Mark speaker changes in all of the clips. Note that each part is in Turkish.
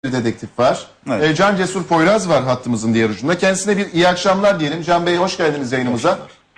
Speaker 1: dedektif var.
Speaker 2: Evet.
Speaker 1: Can Cesur Poyraz var hattımızın diğer ucunda. Kendisine bir iyi akşamlar diyelim. Can Bey hoş geldiniz yayınımıza.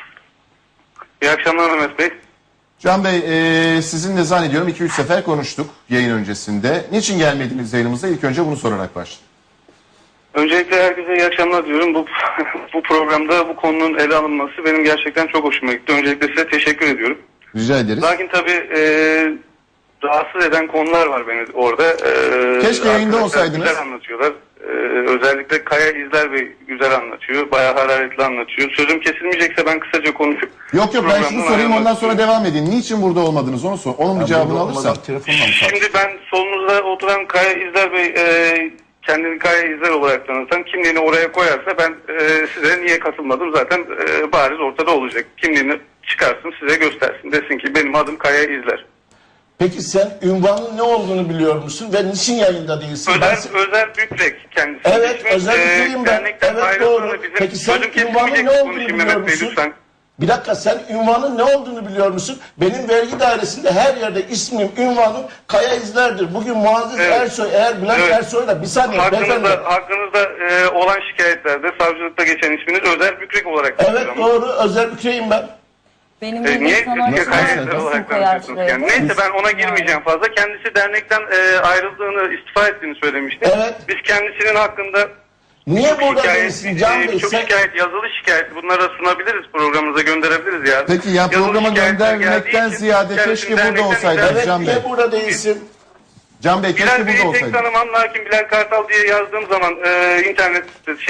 Speaker 3: İyi akşamlar Mehmet Bey.
Speaker 1: Can Bey sizinle zannediyorum 2-3 sefer konuştuk yayın öncesinde. Niçin gelmediniz yayınımıza? İlk önce bunu sorarak başlayalım.
Speaker 3: Öncelikle herkese iyi akşamlar diyorum. Bu programda bu konunun ele alınması benim gerçekten çok hoşuma gitti. Öncelikle size teşekkür ediyorum.
Speaker 1: Rica ederiz.
Speaker 3: Lakin tabii rahatsız eden konular var beni orada.
Speaker 1: Keşke yayında
Speaker 3: Arkadaşlar
Speaker 1: olsaydınız.
Speaker 3: Güzel anlatıyorlar. Özellikle Kaya İzler Bey güzel anlatıyor. Bayağı hararetli anlatıyor. Sözüm kesilmeyecekse ben kısaca konuşup...
Speaker 1: Yok ben şunu
Speaker 3: programdan
Speaker 1: sorayım ondan
Speaker 3: ayrılmak
Speaker 1: sonra devam edin. Niçin burada olmadınız onu sor. Onun bir cevabını alırsam.
Speaker 3: Şimdi ben solunuzda oturan Kaya İzler Bey kendini Kaya İzler olarak tanıtan kimliğini oraya koyarsa ben size niye katılmadım zaten bariz ortada olacak. Kimliğini çıkarsın size göstersin desin ki benim adım Kaya İzler.
Speaker 4: Peki sen ünvanın ne olduğunu biliyor musun ve niçin yayında değilsin?
Speaker 3: Özer Bükrek kendisi.
Speaker 4: Evet,
Speaker 3: İsmi,
Speaker 4: Özer Bükrek'im ben.
Speaker 3: dernekten
Speaker 4: Evet
Speaker 3: ayrıldığını
Speaker 4: doğru.
Speaker 3: bizim
Speaker 4: Peki sen
Speaker 3: sözüm
Speaker 4: ünvanın
Speaker 3: kesilmeyecek
Speaker 4: ne olduğunu
Speaker 3: konuşayım
Speaker 4: biliyor
Speaker 3: Mehmet Bey
Speaker 4: musun?
Speaker 3: lütfen.
Speaker 4: Bir dakika sen ünvanın ne olduğunu biliyor musun? Benim vergi dairesinde her yerde ismim, ünvanım Kaya İzler'dir. Bugün Muazzez
Speaker 3: Evet.
Speaker 4: Ersoy, eğer Bülent
Speaker 3: Evet.
Speaker 4: Ersoy'la bir saniye beyefendi.
Speaker 3: Hakkınızda olan şikayetlerde savcılıkta geçen isminiz Özer Bükrek olarak
Speaker 4: Evet
Speaker 3: geçiyor ama.
Speaker 4: doğru, Özer Bükrek'im ben.
Speaker 5: Benim
Speaker 3: Niye
Speaker 5: bildiğim sanatçı
Speaker 3: Kaya İzler
Speaker 5: isim
Speaker 3: olarak
Speaker 5: koyar
Speaker 3: tanıtıyorsunuz
Speaker 5: şuraya.
Speaker 3: yani? Neyse ben ona girmeyeceğim fazla. Kendisi dernekten ayrıldığını, istifa ettiğini söylemişti.
Speaker 4: Evet.
Speaker 3: Biz kendisinin hakkında
Speaker 4: Niye burada değilsin Can Bey?
Speaker 3: çok
Speaker 4: Sen...
Speaker 3: şikayet, yazılı şikayet bunlara sunabiliriz, programımıza gönderebiliriz ya.
Speaker 1: Peki ya
Speaker 3: Yazılı
Speaker 1: programa
Speaker 3: şikayetler
Speaker 1: göndermekten
Speaker 3: geldiği için
Speaker 1: ziyade
Speaker 3: kendisini
Speaker 1: keşke burada
Speaker 3: dernekten
Speaker 1: olsaydınız
Speaker 4: Evet,
Speaker 1: Can Bey.
Speaker 4: niye burada değilsin?
Speaker 1: Can Bey
Speaker 3: Bilal
Speaker 1: keşke
Speaker 3: Bey'i
Speaker 1: burada
Speaker 3: tek
Speaker 1: olsaydınız.
Speaker 3: tanımam, lakin Bilal Kartal diye yazdığım zaman internet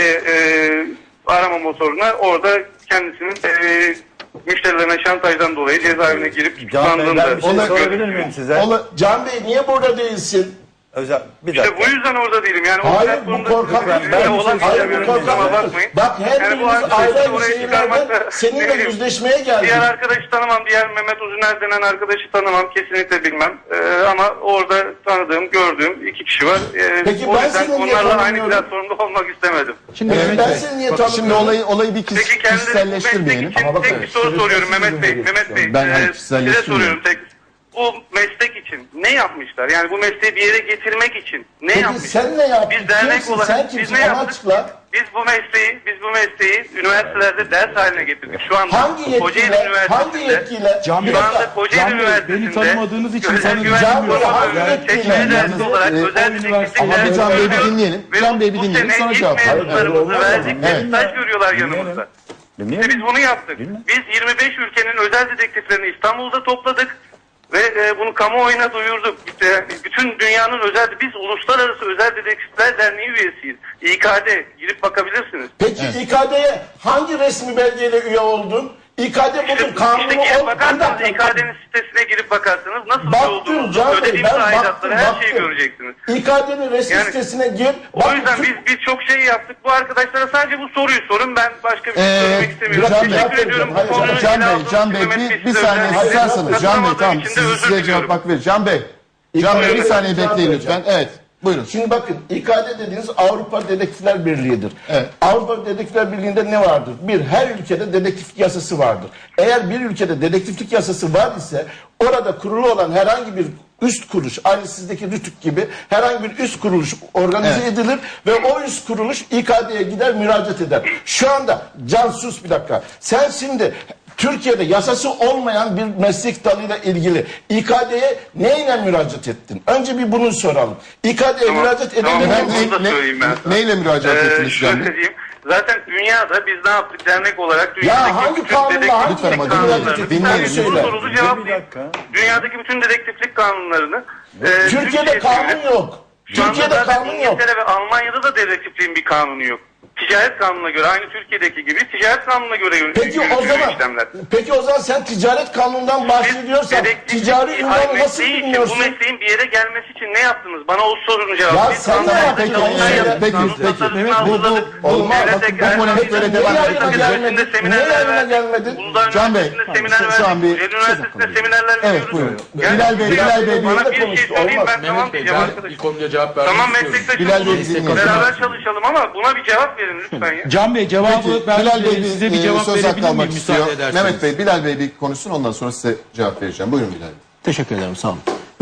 Speaker 3: arama motoruna orada kendisinin müşterilerine şantajdan dolayı cezaevine girip tutuklandığını
Speaker 2: Ben bir şey
Speaker 1: Ona-
Speaker 2: sorabilir miyim size?
Speaker 4: Can Bey niye burada değilsin?
Speaker 2: Özel, bir
Speaker 3: İşte
Speaker 2: dakika.
Speaker 3: bu yüzden orada değilim. Yani
Speaker 4: Hayır,
Speaker 3: o
Speaker 4: bu korkak.
Speaker 2: Ben bir şey
Speaker 4: Hayır, bu korkak.
Speaker 3: bakmayın.
Speaker 4: Bak her
Speaker 3: Yani bu
Speaker 4: birimiz
Speaker 3: hadise
Speaker 4: ayrı ayrı
Speaker 3: oraya
Speaker 4: şehirlerden
Speaker 3: çıkarmakta- ne
Speaker 4: seninle
Speaker 3: bileyim.
Speaker 4: yüzleşmeye geldik.
Speaker 3: Diğer arkadaşı tanımam, diğer Mehmet Uzuner denen arkadaşı tanımam, kesinlikle bilmem. Ama orada tanıdığım, gördüğüm iki kişi var.
Speaker 4: Peki
Speaker 3: o
Speaker 4: ben
Speaker 3: yüzden
Speaker 4: seni niye
Speaker 3: onlarla aynı
Speaker 4: tanımıyorum?
Speaker 3: platformda olmak istemedim.
Speaker 1: Şimdi
Speaker 4: Evet,
Speaker 1: Mehmet
Speaker 4: ben
Speaker 1: Bey,
Speaker 4: seni niye
Speaker 1: bakın şimdi
Speaker 4: tanımıyorum?
Speaker 1: olayı bir
Speaker 3: Peki kendileri bu meslek
Speaker 1: kişiselleştirmeyelim.
Speaker 3: için
Speaker 4: Ama bakın,
Speaker 3: tek bir soru soruyorum Mehmet Bey. Mehmet Bey,
Speaker 1: Ben
Speaker 3: size
Speaker 1: kişiselleştirmiyorum.
Speaker 3: soruyorum tek. Bu meslek için ne yapmışlar? Yani bu mesleği bir yere getirmek için ne
Speaker 4: Peki
Speaker 3: yapmışlar?
Speaker 4: sen ne yaptın?
Speaker 3: Biz dernek
Speaker 4: Kimsin?
Speaker 3: olarak
Speaker 4: Sen
Speaker 3: biz
Speaker 4: kimsin?
Speaker 3: ne
Speaker 4: Onu
Speaker 3: yaptık?
Speaker 4: açıkla.
Speaker 3: Biz bu mesleği üniversitelerde ders haline getirdik. Şu anda
Speaker 4: Hangi
Speaker 3: Kocaeli
Speaker 4: yetkiyle?
Speaker 3: Üniversitesi'nde
Speaker 4: Hangi yetkiyle?
Speaker 6: Can Bey,
Speaker 3: şu anda Kocaeli
Speaker 6: Can Bey,
Speaker 3: Üniversitesi'nde
Speaker 6: beni tanımadığınız için
Speaker 3: özel
Speaker 6: sana
Speaker 3: güvenlik
Speaker 4: Can Bey,
Speaker 3: koruma
Speaker 4: hangi
Speaker 3: bölümünün
Speaker 4: yetkiyle?
Speaker 3: seçmeli dersi
Speaker 1: Yalnız,
Speaker 3: olarak
Speaker 6: o
Speaker 3: özel
Speaker 6: üniversite-
Speaker 3: dedektiflik
Speaker 1: Ama bir
Speaker 3: dersi
Speaker 1: Can Bey'i bir
Speaker 3: görüyoruz.
Speaker 1: dinleyelim.
Speaker 3: Ve
Speaker 1: Can Bey'i bir
Speaker 3: bu
Speaker 1: dinleyelim,
Speaker 3: sene
Speaker 1: sonra
Speaker 3: ilk
Speaker 1: cevap verin.
Speaker 3: mezunlarımızı verdik.
Speaker 1: Evet.
Speaker 3: Staj görüyorlar yanımızda. İşte biz bunu yaptık. Biz 25 ülkenin özel dedektiflerini İstanbul'da topladık. Ve bunu kamuoyuna duyurduk. İşte bütün dünyanın biz Uluslararası Özel Dedektifler Derneği üyesiyiz. İKD girip bakabilirsiniz.
Speaker 4: Peki İKD'ye hangi resmi belgeyle üye oldun? İKD bugün kanunu
Speaker 3: İşte girip
Speaker 4: ol.
Speaker 3: bakarsanız İKD'nin sitesine girip bakarsanız nasıl
Speaker 4: Baktım
Speaker 3: olduğunuzu,
Speaker 4: Can Bey,
Speaker 3: ödediğimiz
Speaker 4: ben
Speaker 3: aidatları her şeyi
Speaker 4: baktım.
Speaker 3: göreceksiniz.
Speaker 4: İKD'nin resmi
Speaker 3: Yani-
Speaker 4: sitesine gir.
Speaker 3: O yüzden biz çok şey yaptık. Bu arkadaşlara sadece bu soruyu sorun. Ben başka bir şey söylemek istemiyorum.
Speaker 1: Can Bey,
Speaker 3: Teşekkür ediyorum.
Speaker 4: hayır,
Speaker 3: Bu konuyu
Speaker 1: Can
Speaker 3: ele
Speaker 1: Bey,
Speaker 3: aldığınız
Speaker 1: Can
Speaker 3: için
Speaker 1: Bey
Speaker 3: Mehmet
Speaker 1: bir
Speaker 3: size
Speaker 1: saniye
Speaker 3: özellikle
Speaker 1: susarsanız. Can Bey
Speaker 3: katılamadığım
Speaker 1: tamam
Speaker 3: için de özür
Speaker 1: size cevap
Speaker 3: diliyorum.
Speaker 1: hak verir. Can Bey bir
Speaker 4: İKD'ye
Speaker 1: saniye
Speaker 4: cevap
Speaker 1: bekleyin
Speaker 4: vereceğim.
Speaker 1: lütfen. Evet buyurun.
Speaker 4: Şimdi bakın İKD dediğiniz Avrupa Dedektifler Birliği'dir.
Speaker 1: Evet.
Speaker 4: Avrupa Dedektifler Birliği'nde ne vardır? Her ülkede dedektiflik yasası vardır. Eğer bir ülkede dedektiflik yasası var ise orada kurulu olan herhangi bir üst kuruluş, aynı sizdeki RTÜK gibi herhangi bir üst kuruluş organize
Speaker 1: Evet.
Speaker 4: edilir ve o üst kuruluş İKD'ye gider müracaat eder. Şu anda Can sus bir dakika. Sen şimdi Türkiye'de yasası olmayan bir meslek dalıyla ilgili İKD'ye neyle müracaat ettin? Önce bir bunu soralım. İKD'ye müracaat
Speaker 3: Tamam,
Speaker 4: edebilir
Speaker 3: ben
Speaker 4: misin?
Speaker 3: bunu da söyleyeyim ben sana.
Speaker 1: Neyle müracaat ettiniz Can
Speaker 3: Şöyle
Speaker 1: Bey?
Speaker 3: diyeyim. Zaten dünyada biz ne yaptık dernek olarak dünyadaki
Speaker 4: hangi
Speaker 3: bütün
Speaker 4: kanunla,
Speaker 3: dedektiflik
Speaker 4: hangi
Speaker 1: Lütfen ama
Speaker 3: kanunlarını
Speaker 1: dinleyin,
Speaker 3: bir tane
Speaker 1: dinleyin.
Speaker 3: soru sorulu
Speaker 2: Bir
Speaker 3: cevaplayayım.
Speaker 2: dakika.
Speaker 3: Dünyadaki bütün dedektiflik kanunlarını
Speaker 4: Türkiye'de
Speaker 3: Türkiye'ye
Speaker 4: kanun
Speaker 3: çevirip-
Speaker 4: yok.
Speaker 3: Şu anda
Speaker 4: Türkiye'de
Speaker 3: zaten
Speaker 4: kanun yok.
Speaker 3: İngiltere ve Almanya'da da dedektifliğin bir kanunu yok. Ticaret kanununa göre aynı Türkiye'deki gibi ticaret kanununa göre
Speaker 4: Peki o
Speaker 3: yürütülüyor
Speaker 4: zaman
Speaker 3: işlemler.
Speaker 4: sen ticaret kanunundan bahsediyorsan ticari ünvanı nasıl bilmiyorsun?
Speaker 3: Bu mesleğin bir yere gelmesi için ne yaptınız? Bana o sorunun cevabı.
Speaker 4: Ya
Speaker 3: Biz
Speaker 4: sen ne
Speaker 3: kanunlarda
Speaker 4: yaptın?
Speaker 3: çalışmalar
Speaker 4: Peki,
Speaker 3: yaptık,
Speaker 1: peki,
Speaker 3: kanun
Speaker 1: peki.
Speaker 3: tasarısını
Speaker 1: Mehmet,
Speaker 3: hazırladık.
Speaker 1: olmaz.
Speaker 3: Devlet
Speaker 1: Bakın, bu
Speaker 3: Tekrar
Speaker 1: konu hep
Speaker 3: Üniversitesi'nde
Speaker 1: böyle devam
Speaker 4: Niye
Speaker 1: edecek.
Speaker 4: yayına gelmedin? Niye
Speaker 3: seminerler
Speaker 4: yayına
Speaker 3: verdik.
Speaker 4: gelmedin?
Speaker 3: Uludağ
Speaker 1: Can Bey,
Speaker 3: Üniversitesi'nde seminer
Speaker 1: şu an
Speaker 3: verdik.
Speaker 1: bir-
Speaker 3: Kocaeli Üniversitesi'nde seminerler
Speaker 1: Evet,
Speaker 3: veriyoruz.
Speaker 1: buyurun.
Speaker 3: Yani
Speaker 1: Bilal Bey, Bilal Bey,
Speaker 3: bana
Speaker 4: de
Speaker 3: bir şey
Speaker 4: konuştu,
Speaker 3: söyleyeyim
Speaker 4: olmaz.
Speaker 3: ben tamam
Speaker 6: Mehmet Bey,
Speaker 3: diyeceğim
Speaker 6: ben
Speaker 3: arkadaşım.
Speaker 6: bir konuya cevap vermek
Speaker 3: Tamam
Speaker 6: istiyorum.
Speaker 1: Bilal Bey,
Speaker 3: meslektaşımız
Speaker 1: dinliyorum.
Speaker 3: beraber çalışalım ama buna bir cevap verin lütfen ya.
Speaker 6: Can Bey cevabı
Speaker 1: Peki,
Speaker 6: ben
Speaker 1: Bilal Bey
Speaker 6: size bir cevap
Speaker 1: söz hakkı
Speaker 6: verebilir
Speaker 1: almak
Speaker 6: miyim
Speaker 1: istiyor.
Speaker 6: müsaade ederseniz?
Speaker 1: Mehmet Bey, Bilal Bey bir konuşsun ondan sonra size cevap vereceğim. Buyurun Bilal Bey.
Speaker 7: Teşekkür ederim, sağ olun.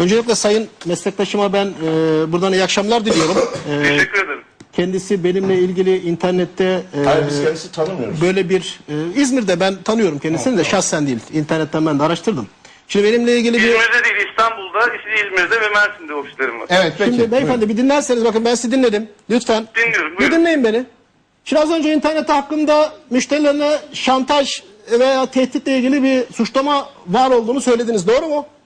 Speaker 2: Öncelikle sayın meslektaşıma ben buradan iyi akşamlar diliyorum.
Speaker 3: Teşekkür ederim.
Speaker 2: Kendisi benimle ilgili internette
Speaker 4: Hayır, biz kendisi tanımıyoruz.
Speaker 2: böyle bir İzmir'de ben tanıyorum kendisini de şahsen değil. İnternetten ben de araştırdım. Şimdi benimle ilgili bir...
Speaker 3: İzmir'de değil, İstanbul'da, İzmir'de ve Mersin'de ofislerim var.
Speaker 1: Evet peki.
Speaker 2: Şimdi beyefendi bir dinlerseniz bakın ben sizi dinledim. Lütfen.
Speaker 3: Dinliyorum,
Speaker 2: Bir
Speaker 3: buyurun.
Speaker 2: dinleyin beni. Şimdi az önce internette hakkında müşterilerine şantaj veya tehditle ilgili bir suçlama var olduğunu söylediniz. Doğru mu?